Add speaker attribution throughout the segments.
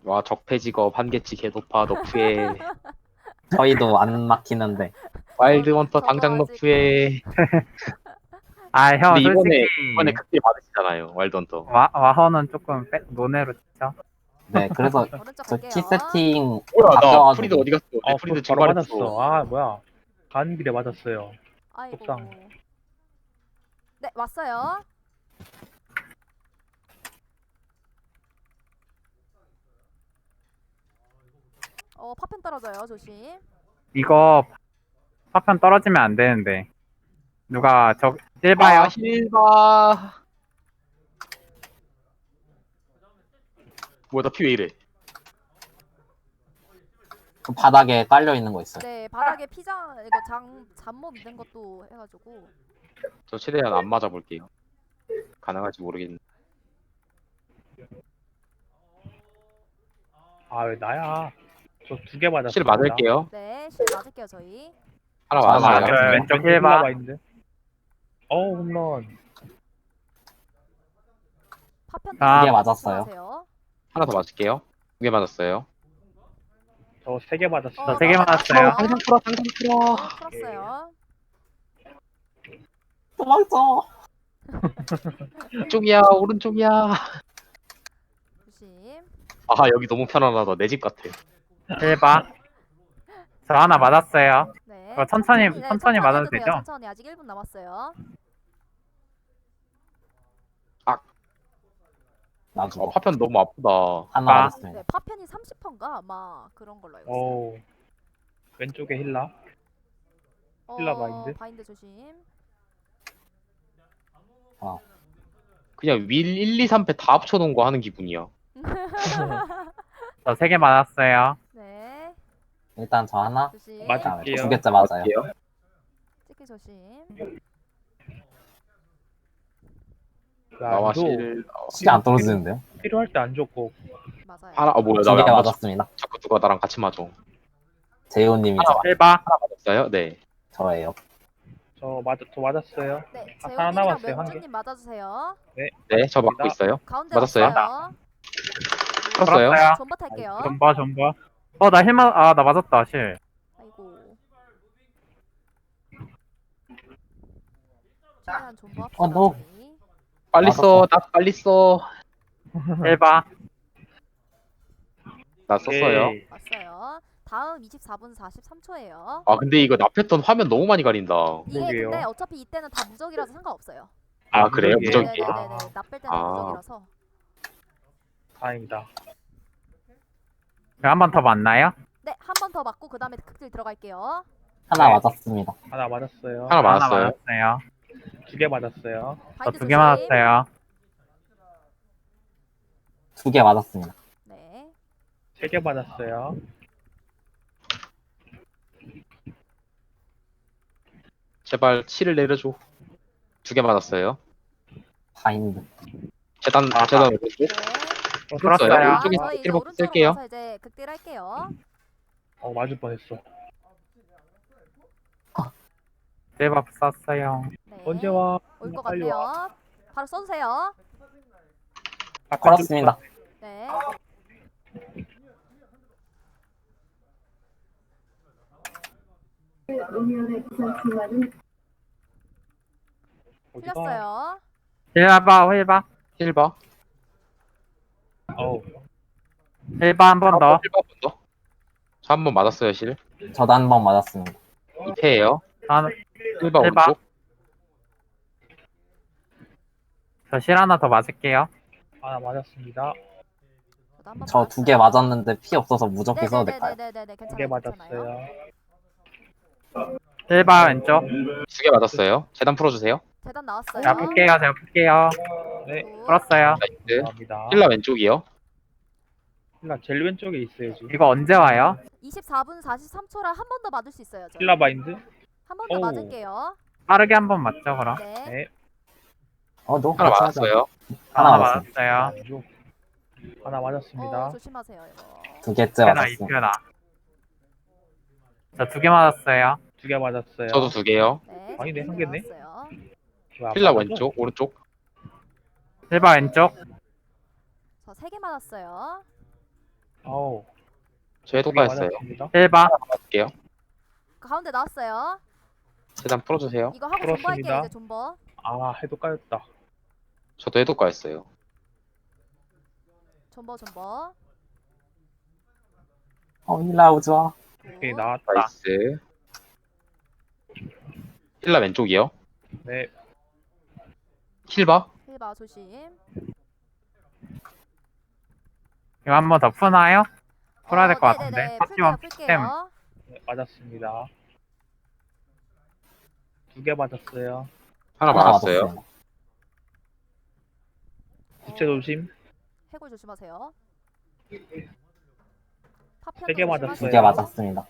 Speaker 1: 와 적폐직업 한계치 개도파 너프에
Speaker 2: 저희도 안 막히는데.
Speaker 1: 와일드 헌터
Speaker 3: 저도
Speaker 1: 당장
Speaker 3: 아직
Speaker 1: 너프에.
Speaker 4: 아, 형,
Speaker 1: 근데
Speaker 4: 솔직히
Speaker 1: 이번에 극딜 받으시잖아요 와일드 헌터.
Speaker 4: 와허는 조금 논외로 치죠.
Speaker 2: 네, 그래서
Speaker 3: 오른쪽
Speaker 2: 저
Speaker 3: 갈게요.
Speaker 2: 키 세팅
Speaker 1: 뭐야 나
Speaker 2: 바뀌어가지고.
Speaker 1: 프리드 어디 갔어? 내 프리드
Speaker 5: 바로
Speaker 1: 증발했어.
Speaker 5: 맞았어. 아, 뭐야. 가는 길에 맞았어요.
Speaker 3: 아이고.
Speaker 5: 속상.
Speaker 3: 네, 왔어요. 파편 떨어져요. 조심.
Speaker 4: 이거 파편 떨어지면 안 되는데. 누가 찔봐요?
Speaker 1: 아 힐바. 뭐야 나 피 왜 이래?
Speaker 2: 그 바닥에 깔려 있는 거 있어요.
Speaker 3: 네, 바닥에 피자 이거 잠못 된 것도 해가지고.
Speaker 1: 저 최대한 안 맞아볼게요. 가능할지 모르겠는데.
Speaker 5: 아, 왜 나야? 저 2개 맞았어.
Speaker 1: 실 맞을게요.
Speaker 3: 네, 실 맞을게요 저희.
Speaker 1: 하나
Speaker 2: 하나
Speaker 1: 맞았어요.
Speaker 2: 맞았어요.
Speaker 4: 왼쪽 힐봐.
Speaker 5: 홈런.
Speaker 3: 파편
Speaker 4: 아.
Speaker 2: 2개 맞았어요.
Speaker 3: 조심하세요.
Speaker 1: 하나 더 맞을게요. 2개 맞았어요.
Speaker 5: 저 3개 맞았어.
Speaker 4: 저 3개 맞았어요.
Speaker 1: 당장 풀어 당장 풀어.
Speaker 3: 풀었어요.
Speaker 2: 도망쳐.
Speaker 1: 왼쪽이야 오른쪽이야.
Speaker 3: 조심.
Speaker 1: 아 여기 너무 편안하다. 내 집 같아.
Speaker 4: 힐봐. 저 하나 맞았어요.
Speaker 3: 네.
Speaker 4: 그거 천천히
Speaker 3: 네,
Speaker 4: 맞아도
Speaker 3: 해도 돼요.
Speaker 4: 되죠?
Speaker 3: 천천히 아직 1분 남았어요.
Speaker 2: 나 죽어.
Speaker 1: 파편 너무 아프다.
Speaker 2: 하나
Speaker 4: 아.
Speaker 2: 맞았습니다.
Speaker 3: 네, 파편이 30%인가 아마 그런 걸로 알고 있어요.
Speaker 5: 오. 왼쪽에 힐라. 힐라 바인드?
Speaker 3: 바인드 조심.
Speaker 1: 그냥 윌 1, 2, 3패 다 합쳐놓은 거 하는 기분이야.
Speaker 4: 저 3개 맞았어요.
Speaker 3: 네,
Speaker 2: 일단 저 하나.
Speaker 3: 조심.
Speaker 5: 맞아.
Speaker 2: 그다음에
Speaker 5: 맞을게요.
Speaker 2: 2개째 맞아요.
Speaker 1: 맞을게요.
Speaker 3: 찍기 조심.
Speaker 1: 나와 실.
Speaker 2: 시계 안 떨어지는데요?
Speaker 5: 필요할 때 안 좋고.
Speaker 3: 맞아요.
Speaker 1: 하나 뭐야
Speaker 2: 2개
Speaker 1: 나왜안 맞아?
Speaker 2: 맞았습니다.
Speaker 1: 자꾸 누가 나랑 같이 맞아.
Speaker 2: 재호님이죠.
Speaker 4: 힐봐.
Speaker 1: 맞았어요? 네.
Speaker 2: 저예요.
Speaker 5: 저 맞았어요.
Speaker 3: 네,
Speaker 5: 하나
Speaker 3: 재훈님이랑
Speaker 5: 남았어요, 한
Speaker 3: 명준님 맞아주세요.
Speaker 1: 네, 저 맞고 있어요.
Speaker 3: 가운데
Speaker 1: 맞았어요?
Speaker 3: 왔어요.
Speaker 1: 풀었어요?
Speaker 4: 풀었어요.
Speaker 3: 존버 탈게요.
Speaker 4: 존버. 나 맞았다, 실.
Speaker 3: 아이고. 최대한 존버 합시다.
Speaker 2: 너.
Speaker 3: 저희.
Speaker 1: 빨리 써. 나 빨리 써.
Speaker 4: 힐봐.
Speaker 1: 나 썼어요.
Speaker 5: 오케이.
Speaker 3: 왔어요. 다음 24분 43초예요.
Speaker 1: 아 근데 이거 나 패턴 화면 너무 많이 가린다.
Speaker 3: 이게
Speaker 5: 무적이에요.
Speaker 3: 근데 어차피 이때는 다 무적이라서 상관없어요.
Speaker 1: 아 그래요?
Speaker 5: 무적이에요?
Speaker 1: 무적이에요?
Speaker 3: 네네네네. 나쁠 때는
Speaker 1: 아.
Speaker 3: 무적이라서.
Speaker 5: 다행이다.
Speaker 4: 한 번 더 맞나요?
Speaker 3: 네, 한 번 더 맞고 그 다음에 극딜 들어갈게요.
Speaker 2: 하나
Speaker 4: 네.
Speaker 2: 맞았습니다.
Speaker 5: 하나 맞았어요.
Speaker 1: 하나 맞았어요.
Speaker 4: 맞았어요.
Speaker 5: 2개 맞았어요.
Speaker 4: 저
Speaker 3: 바인드
Speaker 4: 2개
Speaker 3: 조심.
Speaker 4: 맞았어요.
Speaker 2: 2개 맞았습니다.
Speaker 3: 네.
Speaker 5: 3개 맞았어요.
Speaker 1: 제발 치를 내려줘. 2개 맞았어요.
Speaker 2: 바인드.
Speaker 1: 재단 오른쪽.
Speaker 3: 네.
Speaker 4: 풀었어요.
Speaker 1: 풀었어요.
Speaker 3: 자,
Speaker 1: 이쪽에
Speaker 3: 저희 이제
Speaker 1: 힐 버프
Speaker 3: 오른쪽으로
Speaker 1: 쓸게요.
Speaker 3: 가서 이제 극딜 할게요.
Speaker 5: 맞을 뻔했어.
Speaker 4: 힐밥 썼어요.
Speaker 3: 네.
Speaker 5: 언제 와?
Speaker 3: 올 것
Speaker 5: 빨리 와.
Speaker 3: 같네요. 바로 써주세요.
Speaker 2: 걸었습니다.
Speaker 3: 네.
Speaker 5: 어디가?
Speaker 3: 틀렸어요.
Speaker 4: 힐봐.
Speaker 1: 힐바.
Speaker 5: 어우.
Speaker 4: 힐봐 한 번 더.
Speaker 1: 힐바 한 번 더. 저 한 번 맞았어요 실.
Speaker 2: 저도 한 번 맞았습니다.
Speaker 1: 2패예요.
Speaker 4: 저
Speaker 1: 힐바
Speaker 4: 힐바.
Speaker 1: 오른쪽.
Speaker 4: 실 하나 더 맞을게요.
Speaker 5: 하나 맞았습니다.
Speaker 3: 저도 한번
Speaker 2: 저 2개 맞았는데 피 없어서 무적해 써도 될까요?
Speaker 3: 네네네네네.
Speaker 5: 2개
Speaker 3: 괜찮아요.
Speaker 5: 맞았어요.
Speaker 4: 힐봐 왼쪽.
Speaker 1: 2개 맞았어요. 재단 풀어주세요.
Speaker 3: 재단 나왔어요.
Speaker 4: 제가 풀게요.
Speaker 5: 네.
Speaker 3: 굿.
Speaker 4: 풀었어요.
Speaker 1: 나이스.
Speaker 5: 감사합니다.
Speaker 1: 힐라 왼쪽이요.
Speaker 5: 힐라 제일 왼쪽에 있어야지.
Speaker 4: 이거 언제 와요?
Speaker 3: 24분 43초라 한 번 더 맞을 수 있어요. 저희.
Speaker 5: 힐라 바인드?
Speaker 3: 한 번 더
Speaker 5: 오.
Speaker 3: 맞을게요.
Speaker 4: 빠르게 한 번 맞죠 그럼?
Speaker 3: 네.
Speaker 5: 네.
Speaker 2: 너
Speaker 1: 하나 맞았어요.
Speaker 2: 하나
Speaker 4: 하나
Speaker 2: 맞았습니다.
Speaker 4: 맞았어요.
Speaker 5: 왼쪽. 하나 맞았습니다.
Speaker 3: 조심하세요 이거.
Speaker 2: 2개째
Speaker 4: 이편아
Speaker 2: 맞았습니다.
Speaker 4: 이편아. 저 2개 맞았어요.
Speaker 5: 2개 맞았어요.
Speaker 1: 저도 2개요.
Speaker 3: 네.
Speaker 5: 아니네,
Speaker 3: 한
Speaker 5: 한 개네.
Speaker 3: 나왔어요.
Speaker 1: 힐라 왼쪽 오른쪽.
Speaker 4: 힐봐 왼쪽.
Speaker 3: 저 3개 맞았어요.
Speaker 1: 저 해독가 했어요.
Speaker 5: 맞았습니다.
Speaker 4: 1번.
Speaker 1: 할게요.
Speaker 3: 가운데 나왔어요.
Speaker 1: 재단 풀어주세요.
Speaker 3: 이거 하고
Speaker 5: 풀었습니다.
Speaker 3: 존버할게요. 이제 존버.
Speaker 5: 아, 해도 까였다.
Speaker 1: 저도 해독가 했어요.
Speaker 3: 존버.
Speaker 2: 힐라 오지마.
Speaker 5: 오케이,
Speaker 3: 굿.
Speaker 5: 나왔다.
Speaker 1: 나이스. 힐라 왼쪽이요.
Speaker 5: 네,
Speaker 1: 힐바.
Speaker 3: 힐바 조심.
Speaker 4: 이거 한 번 더 푸나요? 풀어야 될 것 같은데.
Speaker 3: 네네네.
Speaker 4: 파티원
Speaker 3: 풀게요.
Speaker 5: 네, 맞았습니다. 2개 맞았어요.
Speaker 1: 하나 맞았어요.
Speaker 2: 맞았습니다.
Speaker 5: 부채 조심.
Speaker 3: 해골 조심하세요. 파편
Speaker 5: 3개 맞았어요.
Speaker 2: 2개 맞았습니다.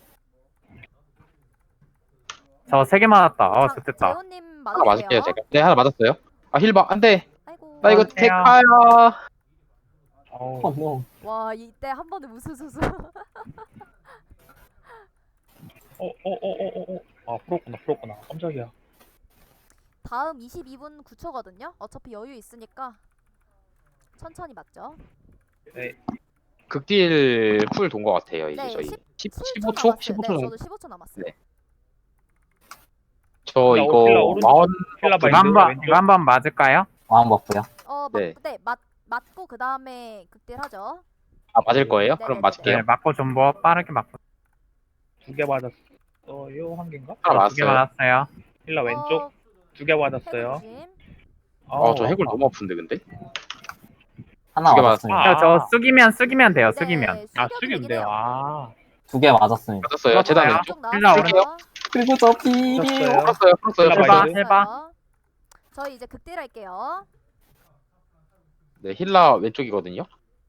Speaker 4: 저 3개 맞았다. 좋겠다.
Speaker 3: 재훈님
Speaker 1: 하나 맞을게요
Speaker 3: 맞았어요.
Speaker 1: 제가. 네 하나 맞았어요. 아 힐바 안돼.
Speaker 3: 아이고.
Speaker 1: 나 이거
Speaker 4: 맞으세요.
Speaker 1: 데카야.
Speaker 5: 어우,
Speaker 2: 노.
Speaker 3: 와 이때 한 번에 무수수수.
Speaker 5: 아, 풀었구나. 깜짝이야.
Speaker 3: 다음 22분 9초거든요. 어차피 여유 있으니까 천천히 맞죠.
Speaker 5: 네,
Speaker 1: 극딜 쿨 돈 것 같아요 이제
Speaker 3: 네,
Speaker 1: 저희.
Speaker 3: 7초
Speaker 1: 15초?
Speaker 3: 남았어요.
Speaker 1: 15초
Speaker 3: 네,
Speaker 1: 정도.
Speaker 3: 저도 15초 남았어요.
Speaker 1: 네. 저
Speaker 5: 힐라
Speaker 1: 이거
Speaker 5: 오른쪽.
Speaker 1: 마원
Speaker 5: 힐라
Speaker 4: 이거
Speaker 5: 바인드
Speaker 4: 한번
Speaker 5: 왼쪽.
Speaker 4: 이거 한번 맞을까요?
Speaker 2: 왕 버프요.
Speaker 1: 네.
Speaker 3: 맞고 그 다음에 극딜하죠.
Speaker 1: 아 맞을 거예요?
Speaker 3: 네,
Speaker 1: 그럼
Speaker 3: 네,
Speaker 1: 맞을게요.
Speaker 4: 네, 맞고 존버 빠르게 맞고
Speaker 5: 2개 맞았어요. 한 개인가?
Speaker 1: 하나
Speaker 4: 2개
Speaker 1: 맞았어요.
Speaker 4: 맞았어요.
Speaker 5: 힐라 왼쪽 2개
Speaker 3: 해골
Speaker 5: 맞았어요.
Speaker 3: 조심.
Speaker 1: 저 해골 너무 아픈데 근데.
Speaker 2: 하나
Speaker 1: 2개
Speaker 2: 맞았습니다.
Speaker 5: 아.
Speaker 4: 저 쓰기면 돼요.
Speaker 3: 네,
Speaker 4: 쓰기면.
Speaker 5: 아,
Speaker 3: 숙여도
Speaker 5: 숙이면
Speaker 3: 되긴
Speaker 5: 돼요.
Speaker 3: 해요.
Speaker 5: 아,
Speaker 2: 2개 맞았습니다.
Speaker 1: 맞았어요. 재단
Speaker 4: 맞아요.
Speaker 1: 왼쪽.
Speaker 3: 쪽
Speaker 4: 힐라
Speaker 3: 나왔어요.
Speaker 2: 그리고 저 비리요.
Speaker 5: 풀었어요.
Speaker 1: 풀었어요.
Speaker 5: 힐라
Speaker 1: 풀었어요.
Speaker 5: 바인드.
Speaker 4: 해봐.
Speaker 3: 저희 이제 극딜할게요.
Speaker 1: 네 힐라 왼쪽이거든요.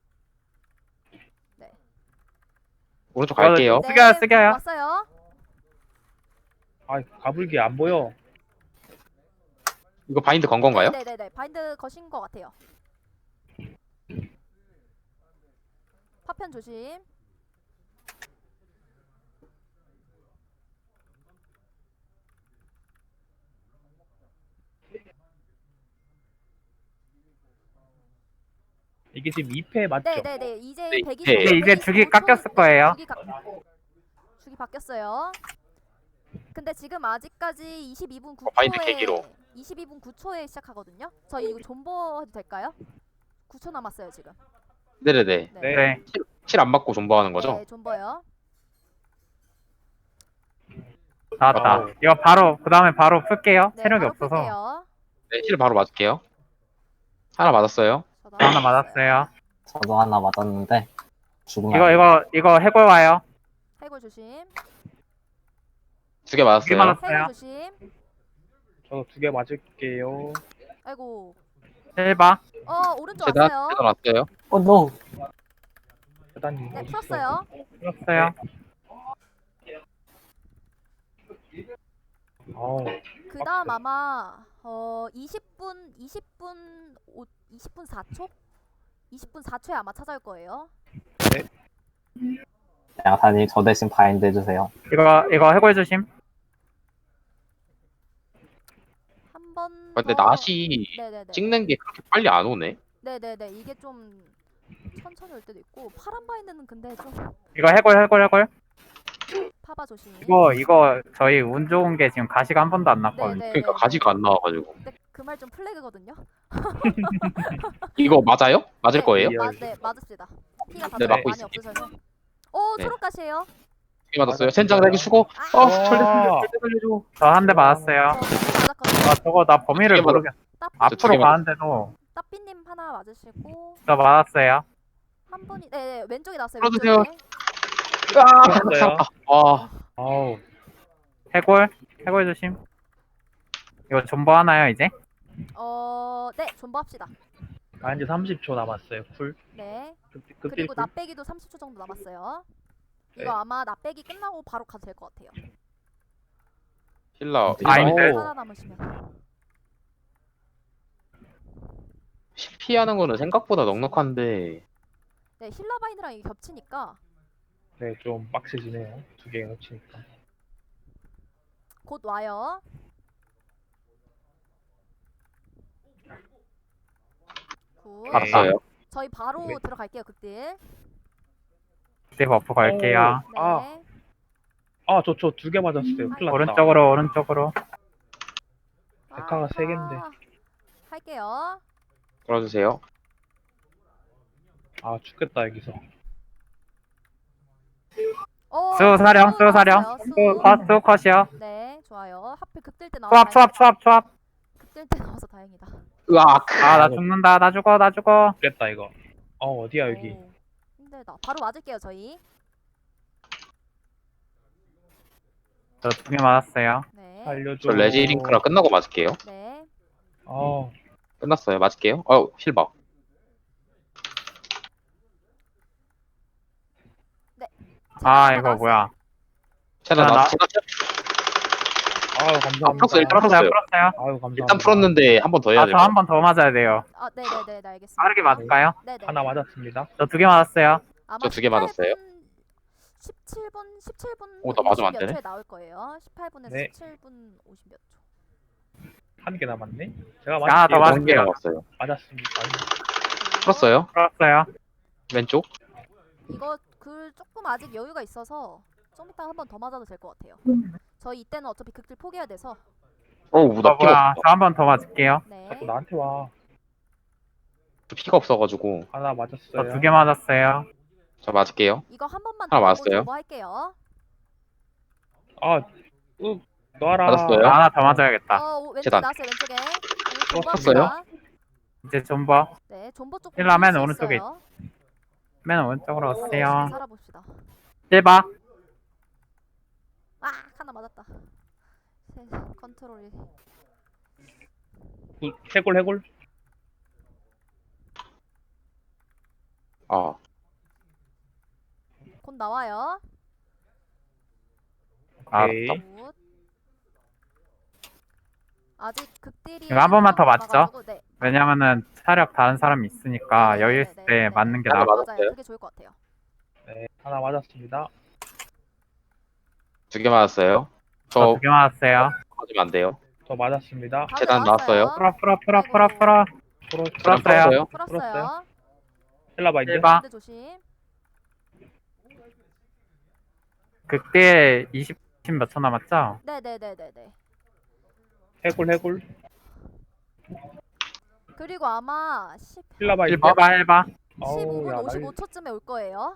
Speaker 3: 네.
Speaker 1: 오른쪽 갈게요.
Speaker 4: 숙여요.
Speaker 3: 왔어요.
Speaker 5: 아, 가불기 안 보여.
Speaker 1: 이거 바인드 건 건가요?
Speaker 3: 네네네. 바인드 거신 것 같아요. 파편 조심.
Speaker 5: 이게 지금 2패 맞죠?
Speaker 3: 네네네. 이제
Speaker 1: 네,
Speaker 3: 120.
Speaker 1: 네.
Speaker 4: 이제 주기 깎였을 거예요.
Speaker 3: 주기 바뀌었어요. 근데 지금 아직까지 22분
Speaker 1: 바인드
Speaker 3: 9초에
Speaker 1: 계기로.
Speaker 3: 22분 9초에 시작하거든요. 저희 이거 존버 해도 될까요? 9초 남았어요 지금.
Speaker 1: 네네네.
Speaker 5: 네.
Speaker 4: 네.
Speaker 1: 힐 안 맞고 존버하는 거죠?
Speaker 3: 네, 존버요.
Speaker 4: 나왔다.
Speaker 5: 어.
Speaker 4: 이거 바로 그다음에 바로 풀게요.
Speaker 3: 네,
Speaker 4: 체력이
Speaker 3: 바로
Speaker 4: 없어서.
Speaker 3: 풀게요.
Speaker 1: 네, 힐 바로 맞을게요. 하나 맞았어요.
Speaker 3: 저도
Speaker 4: 저 하나 맞았어요.
Speaker 2: 저도 하나 맞았는데 죽으면 안 돼요.
Speaker 4: 이거 해골 와요.
Speaker 3: 해골 조심.
Speaker 1: 2개 맞았어요.
Speaker 4: 맞았어요.
Speaker 3: 해골 조심.
Speaker 5: 저도 2개 맞을게요.
Speaker 3: 아이고.
Speaker 4: 1번.
Speaker 3: 오른쪽
Speaker 1: 재단
Speaker 3: 왔어요.
Speaker 1: 왔어요.
Speaker 2: 노.
Speaker 5: 대단히.
Speaker 3: 네, 풀었어요.
Speaker 4: 풀었어요.
Speaker 5: 아우,
Speaker 3: 그다음 아마 20분 4초? 20분 4초에 아마 찾아올 거예요.
Speaker 2: 양사님 저 대신 바인드 해주세요.
Speaker 4: 이거 해골 조심.
Speaker 3: 한 번.
Speaker 1: 근데
Speaker 3: 더-
Speaker 1: 낫이
Speaker 3: 네네네.
Speaker 1: 찍는 게 그렇게 빨리 안 오네.
Speaker 3: 네네네. 이게 좀 천천히 올 때도 있고 파란 바인드는 근데 좀
Speaker 4: 이거 해골.
Speaker 3: 파봐 조심.
Speaker 4: 이거 저희 운 좋은 게 지금 가시가 한 번도 안 났거든요.
Speaker 3: 네네.
Speaker 1: 그러니까 가지가 안 나와가지고.
Speaker 3: 근데 그 말 좀 플래그거든요.
Speaker 1: 이거 맞아요? 맞을
Speaker 3: 네,
Speaker 1: 거예요?
Speaker 3: 네, 맞읍시다. 피가 다
Speaker 1: 네,
Speaker 3: 많이
Speaker 1: 맞고 있을게요.
Speaker 3: 없으셔서. 오,
Speaker 1: 네.
Speaker 3: 초록가시에요.
Speaker 1: 2개 맞았어요. 젠장 내기 주고. 절대 살려줘.
Speaker 4: 저 한 대 맞았어요.
Speaker 3: 맞았거든요.
Speaker 4: 저거 나 범위를
Speaker 1: 두 개
Speaker 4: 모르겠어.
Speaker 3: 따-
Speaker 4: 앞으로
Speaker 1: 개
Speaker 4: 가는데도
Speaker 3: 따삐님 하나 맞으시고
Speaker 4: 저 맞았어요.
Speaker 3: 한 분이 네, 왼쪽에 나왔어요.
Speaker 1: 풀어주세요.
Speaker 3: 왼쪽에.
Speaker 5: 풀었어요.
Speaker 1: 아,
Speaker 5: 아우,
Speaker 4: 해골 조심. 이거 존버 하나요 이제?
Speaker 3: 네, 존버합시다.
Speaker 5: 바인드 30초 남았어요. 쿨.
Speaker 3: 네.
Speaker 5: 극딜
Speaker 3: 그리고
Speaker 5: 쿨.
Speaker 3: 납배기도 30초 정도 남았어요. 이거
Speaker 5: 네.
Speaker 3: 아마 납배기 끝나고 바로 가도 될 것 같아요.
Speaker 1: 힐라.
Speaker 4: 바인드.
Speaker 3: 살아남으시면.
Speaker 1: 피하는 거는 생각보다 넉넉한데.
Speaker 3: 네, 힐러 바인드랑 이게 겹치니까
Speaker 5: 네, 좀 빡세지네요. 2개 놓치니까.
Speaker 3: 곧 와요. 굿.
Speaker 5: 네.
Speaker 1: 맞았어요.
Speaker 3: 저희 바로
Speaker 5: 네.
Speaker 3: 들어갈게요, 극딜.
Speaker 4: 극딜 버프 걸게요.
Speaker 3: 네.
Speaker 5: 저 2개 맞았어요. 큰일 났다.
Speaker 4: 오른쪽으로 오른쪽으로.
Speaker 5: 데카가 세 갠데.
Speaker 3: 할게요.
Speaker 1: 걸어주세요.
Speaker 5: 죽겠다 여기서.
Speaker 4: 수사령
Speaker 3: 수
Speaker 4: 수사령.
Speaker 3: 나왔어요, 수.
Speaker 4: 수 컷이요.
Speaker 3: 네, 좋아요. 하필 극딜 때 나와서
Speaker 4: 초합.
Speaker 3: 극딜 때 나와서 다행이다.
Speaker 1: 으악.
Speaker 4: 아 나 죽는다. 나 죽어.
Speaker 5: 죽겠다 이거. 어디야 여기.
Speaker 3: 오, 힘들다. 바로 맞을게요, 저희.
Speaker 4: 저 2개 맞았어요.
Speaker 3: 네.
Speaker 5: 살려줘.
Speaker 1: 저 레지링크랑 끝나고 맞을게요.
Speaker 3: 네.
Speaker 1: 끝났어요. 맞을게요. 힐박.
Speaker 4: 아 이거 뭐야?
Speaker 1: 제가
Speaker 4: 나-
Speaker 5: 감사합니다.
Speaker 1: 풀었어, 일단 풀었어요.
Speaker 5: 감사합니다.
Speaker 1: 일단 풀었는데 한 번 더 해야
Speaker 4: 저
Speaker 1: 돼요.
Speaker 4: 한 번 더 맞아야 돼요.
Speaker 3: 네네네, 알겠습니다.
Speaker 4: 빠르게 맞을까요?
Speaker 3: 네네.
Speaker 5: 하나 맞았습니다.
Speaker 4: 저 2개 맞았어요.
Speaker 3: 아마
Speaker 1: 저 2개 맞았어요.
Speaker 3: 17분
Speaker 1: 나 맞으면 안
Speaker 3: 50몇
Speaker 1: 되네.
Speaker 3: 초에 나올 거예요. 18분에서
Speaker 5: 네.
Speaker 3: 17분 50몇 초.
Speaker 5: 한 개 남았네. 제가
Speaker 4: 하나 더
Speaker 5: 맞을게요.
Speaker 4: 맞-
Speaker 1: 한개 남았어요.
Speaker 5: 맞았습니다.
Speaker 1: 풀었어요.
Speaker 4: 풀었어요.
Speaker 1: 왼쪽.
Speaker 3: 이거 조금 아직 여유가 있어서 좀 이따 한 번 더 맞아도 될 것 같아요. 저희 이때는 어차피 극딜 포기해야 돼서.
Speaker 1: 나 피가
Speaker 4: 뭐야?
Speaker 1: 없어.
Speaker 4: 저 한 번 더 맞을게요.
Speaker 3: 네.
Speaker 5: 자꾸 나한테 와.
Speaker 1: 피가 없어가지고.
Speaker 5: 하나
Speaker 4: 저
Speaker 5: 맞았어요.
Speaker 4: 2개 맞았어요.
Speaker 1: 저 맞을게요.
Speaker 3: 이거 한 번만
Speaker 1: 하나
Speaker 3: 더
Speaker 1: 맞았어요?
Speaker 3: 보고 할게요.
Speaker 5: 놔라.
Speaker 1: 맞았어요?
Speaker 4: 저 하나 더 맞아야겠다.
Speaker 3: 왼쪽에
Speaker 1: 재단.
Speaker 3: 나왔어요. 왼쪽에.
Speaker 1: 쳤어요?
Speaker 4: 이제 존버.
Speaker 3: 네, 존버 쪽.
Speaker 4: 힐라면
Speaker 3: 보실 수
Speaker 4: 오른쪽에
Speaker 3: 있어요.
Speaker 4: 맨 오른쪽으로 오세요.
Speaker 3: 살아봅시다.
Speaker 4: 실바.
Speaker 3: 하나 맞았다. 컨트롤이.
Speaker 5: 해골.
Speaker 3: 곧 나와요.
Speaker 5: 오케이.
Speaker 3: 굿. 아직 극딜이
Speaker 4: 이거 한 번만 더 맞죠?
Speaker 3: 남아가지고, 네.
Speaker 4: 왜냐면은 차력 다른 사람이 있으니까
Speaker 3: 네,
Speaker 4: 여유
Speaker 3: 네,
Speaker 4: 있을
Speaker 3: 네,
Speaker 4: 때
Speaker 3: 네.
Speaker 4: 맞는 게
Speaker 1: 하나
Speaker 4: 나아.
Speaker 1: 맞았어요?
Speaker 3: 맞아요. 그게 좋을 것 같아요.
Speaker 5: 네, 하나 맞았습니다.
Speaker 1: 2개 맞았어요.
Speaker 4: 저
Speaker 1: 저
Speaker 4: 2개 맞았어요.
Speaker 1: 맞으면 안 돼요.
Speaker 5: 저 맞았습니다.
Speaker 3: 가운데
Speaker 1: 재단 나왔어요.
Speaker 4: 풀어.
Speaker 1: 재단
Speaker 4: 풀었어요.
Speaker 1: 풀었어요.
Speaker 3: 풀었어요.
Speaker 5: 힐라바이드.
Speaker 4: 실바.
Speaker 3: 근데 조심.
Speaker 4: 그때 20 몇 초 남았죠?
Speaker 3: 네네네네네.
Speaker 5: 해골.
Speaker 3: 그리고 아마
Speaker 5: 힐라바이드.
Speaker 4: 힐바.
Speaker 3: 15분 55초쯤에 올 거예요.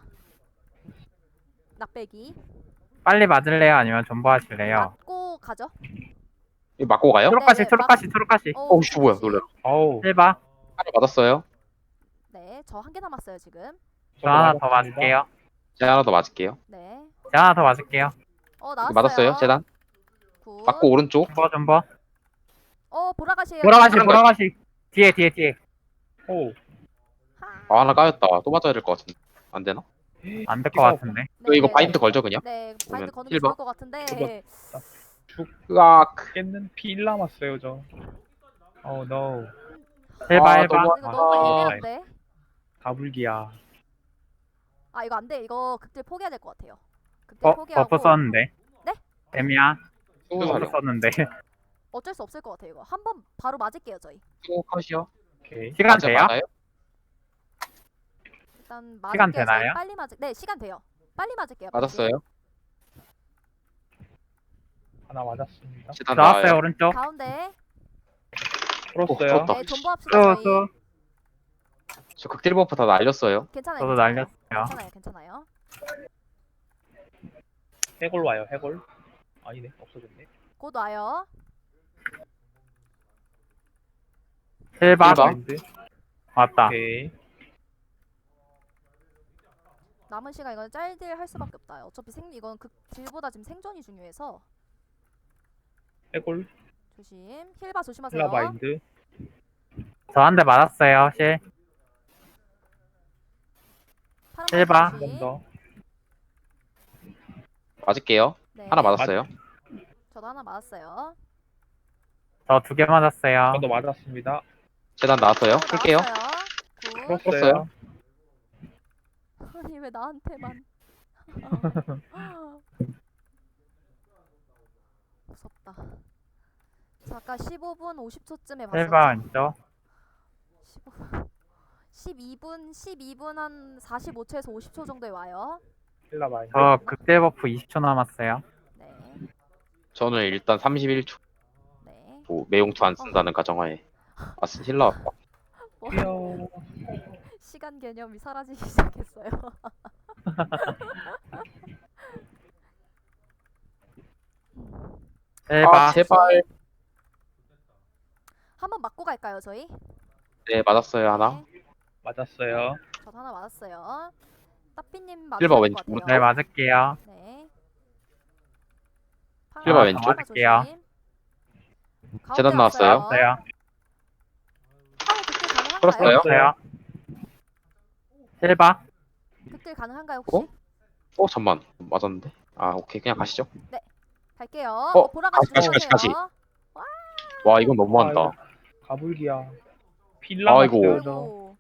Speaker 3: 낙배기.
Speaker 4: 빨리 맞을래요? 아니면 존버 하실래요?
Speaker 3: 맞고 가죠.
Speaker 1: 이거 맞고 가요?
Speaker 3: 네,
Speaker 4: 초록가시.
Speaker 1: 어우씨, 뭐야, 놀래.
Speaker 4: 실바.
Speaker 1: 하나 맞았어요.
Speaker 3: 네, 저 한 개 남았어요 지금.
Speaker 4: 저 하나 더 맞을게요.
Speaker 1: 제가 하나 더 맞을게요.
Speaker 3: 네.
Speaker 4: 저 하나 더 맞을게요.
Speaker 3: 나왔어요.
Speaker 1: 맞았어요. 재단.
Speaker 3: 굿.
Speaker 1: 맞고 오른쪽.
Speaker 4: 존버.
Speaker 3: 보라가시에요.
Speaker 4: 보라가시. 뒤에.
Speaker 1: 하나 까였다. 또 맞아야 될 것 같은데. 안 되나?
Speaker 4: 안 될 것 같은데.
Speaker 1: 이거 바인드 걸죠, 그냥?
Speaker 3: 네, 바인드 거는 게
Speaker 1: 실버?
Speaker 3: 좋을 것 같은데.
Speaker 1: 으악.
Speaker 5: 깼는 피 1 남았어요 저. 노.
Speaker 4: 실바.
Speaker 3: 이거 너무
Speaker 5: 아,
Speaker 3: 애매한데.
Speaker 5: 가불기야.
Speaker 3: 이거 안 돼. 이거 극딜 포기해야 될 것 같아요. 극딜 포기하고.
Speaker 4: 버프 썼는데.
Speaker 3: 네?
Speaker 4: 애미야. 버프
Speaker 1: 수사령.
Speaker 4: 썼는데.
Speaker 3: 어쩔 수 없을 것 같아요. 이거 한 번 바로 맞을게요 저희.
Speaker 1: 컷이요.
Speaker 5: 오케이.
Speaker 4: 시간 돼요?
Speaker 1: 맞아요?
Speaker 3: 일단
Speaker 4: 시간
Speaker 3: 맞을게요.
Speaker 4: 되나요?
Speaker 3: 저희 빨리 네, 시간 돼요. 빨리 맞을게요.
Speaker 1: 맞았어요.
Speaker 5: 하나 맞았습니다.
Speaker 1: 재단
Speaker 4: 나왔어요
Speaker 1: 나와요.
Speaker 4: 오른쪽.
Speaker 3: 가운데.
Speaker 5: 풀었어요.
Speaker 1: 풀었다.
Speaker 3: 네, 존버합시다 저희.
Speaker 1: 저 극딜 버프 다 날렸어요.
Speaker 3: 괜찮아요.
Speaker 4: 저도
Speaker 3: 괜찮아요.
Speaker 4: 날렸어요.
Speaker 3: 괜찮아요.
Speaker 5: 해골 와요. 해골. 아니네. 없어졌네.
Speaker 3: 곧 와요.
Speaker 4: 실바.
Speaker 1: 실바.
Speaker 5: 바인드.
Speaker 4: 맞다.
Speaker 5: 오케이.
Speaker 3: 남은 시간 이건 짤딜 할 수밖에 없다. 어차피 이건 극딜보다 지금 생존이 중요해서
Speaker 5: 해골.
Speaker 3: 조심. 힐바 조심하세요.
Speaker 5: 힐라바인드.
Speaker 4: 저 한 대 맞았어요. 실.
Speaker 3: 파란
Speaker 4: 힐바.
Speaker 3: 바지
Speaker 5: 한
Speaker 3: 조심.
Speaker 5: 번 더.
Speaker 1: 맞을게요.
Speaker 3: 네.
Speaker 1: 하나 맞았어요.
Speaker 3: 저도 하나 맞았어요.
Speaker 4: 저 2개 맞았어요.
Speaker 5: 저도 맞았습니다.
Speaker 1: 재단 나왔어요. 풀게요.
Speaker 3: 굿.
Speaker 1: 풀었어요.
Speaker 3: 아니 왜 나한테만. 무섭다. 자, 아까 15분 50초쯤에
Speaker 4: 실바
Speaker 3: 봤었죠?
Speaker 4: 왼쪽.
Speaker 3: 12분 한 45초에서 50초 정도에 와요.
Speaker 5: 힐라 많이.
Speaker 4: 저 극딜 버프 20초 남았어요.
Speaker 3: 네.
Speaker 1: 저는 일단 31초
Speaker 3: 네.
Speaker 1: 매용투 안 쓴다는 가정하에. 아 힐러 왔다.
Speaker 5: 귀여워.
Speaker 3: 시간 개념이 사라지기 시작했어요.
Speaker 4: 힐바.
Speaker 1: 아 제발.
Speaker 3: 한번 맞고 갈까요, 저희?
Speaker 1: 네 맞았어요 하나.
Speaker 3: 네.
Speaker 5: 맞았어요.
Speaker 3: 저도 하나 맞았어요. 따삐님
Speaker 1: 힐바
Speaker 3: 맞으실 것
Speaker 1: 왼쪽,
Speaker 3: 같아요.
Speaker 4: 네, 맞을게요.
Speaker 3: 네.
Speaker 1: 힐바 왼쪽.
Speaker 4: 맞을게요.
Speaker 1: 재단 나왔어요.
Speaker 4: 없어요.
Speaker 3: 극딜 가능한가요?
Speaker 1: 풀었어요?
Speaker 4: 없어요. 힐바.
Speaker 3: 극딜 가능한가요, 혹시?
Speaker 1: 잠만 맞았는데. 아 오케이 그냥 가시죠.
Speaker 3: 갈게요.
Speaker 1: 어,
Speaker 3: 보라가시
Speaker 1: 다시.
Speaker 3: 들어오세요.
Speaker 1: 와 이건 너무한다.
Speaker 5: 아이고, 가불기야. 필라
Speaker 1: 아이고.
Speaker 5: 맞어요, 저.
Speaker 3: 아이고.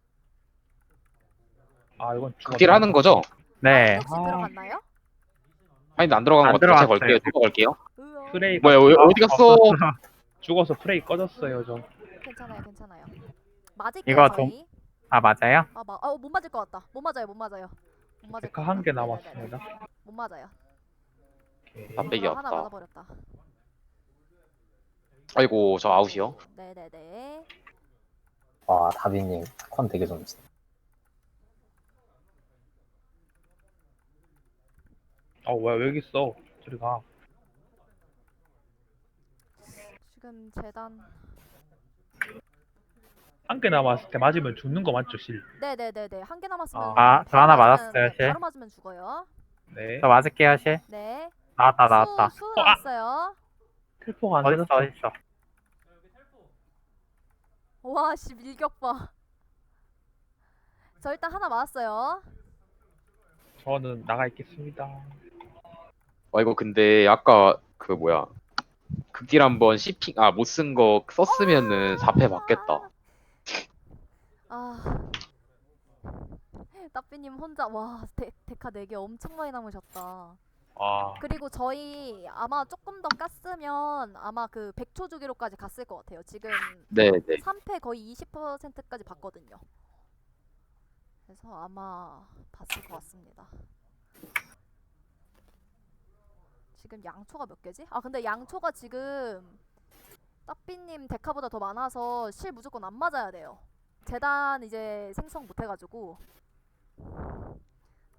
Speaker 5: 아 이건
Speaker 1: 극딜 하는 거죠?
Speaker 4: 네.
Speaker 3: 혹시 들어갔나요?
Speaker 1: 아니 안 들어간
Speaker 4: 안
Speaker 1: 것 같아요. 제가
Speaker 4: 들어갔어요.
Speaker 1: 걸게요. 제가 걸게요.
Speaker 3: 으어.
Speaker 5: 프레이
Speaker 1: 뭐야 어디 갔어?
Speaker 5: 죽어서 프레이 꺼졌어요, 저.
Speaker 3: 괜찮아요, 괜찮아요. 맞을게요,
Speaker 4: 이거
Speaker 3: 저희.
Speaker 4: 아, 맞아요?
Speaker 3: 못 맞을 것 같다. 못 맞아요, 못 맞아요. 못 맞을
Speaker 5: 데카
Speaker 3: 것
Speaker 5: 한 개
Speaker 3: 같다.
Speaker 5: 남았습니다.
Speaker 3: 네네네. 못 맞아요.
Speaker 5: 오케이.
Speaker 1: 다 빼기
Speaker 3: 하나
Speaker 1: 없다.
Speaker 3: 맞아버렸다.
Speaker 1: 아이고 저 아웃이요.
Speaker 3: 네네네.
Speaker 2: 와 다비님 컨 되게 좋으시네.
Speaker 5: 왜 여기 있어? 저리 가.
Speaker 3: 지금 재단.
Speaker 5: 한 개 남았을 때 맞으면 죽는 거 맞죠, 실?
Speaker 3: 네네네네. 한 개 남았으면.
Speaker 4: 아, 저
Speaker 3: 바로
Speaker 4: 하나
Speaker 3: 맞으면,
Speaker 4: 맞았어요, 실.
Speaker 3: 바로 맞으면 죽어요.
Speaker 5: 네.
Speaker 4: 저 맞을게요, 실.
Speaker 3: 네.
Speaker 4: 나왔다.
Speaker 3: 수 나왔어요.
Speaker 5: 텔포가 안
Speaker 4: 어딨어,
Speaker 5: 되었어.
Speaker 4: 어딨어.
Speaker 3: 와, 씨, 밀격 봐. 저 일단 하나 맞았어요.
Speaker 5: 저는 나가 있겠습니다.
Speaker 1: 이거 근데 아까 그 뭐야 극딜 한번 CP 못 쓴 거 썼으면은 4패 맞겠다.
Speaker 3: 아. 따삐님 혼자, 와, 데카 4개 엄청 많이 남으셨다.
Speaker 5: 아,
Speaker 3: 그리고 저희 아마 조금 더 깠으면 아마 그 100초 주기로까지 갔을 것 같아요. 지금
Speaker 1: 네네.
Speaker 3: 3패 거의 20%까지 봤거든요. 그래서 아마 봤을 것 같습니다. 지금 양초가 몇 개지? 근데 양초가 지금 따삐님 데카보다 더 많아서 실 무조건 안 맞아야 돼요. 재단 이제 생성 못 해가지고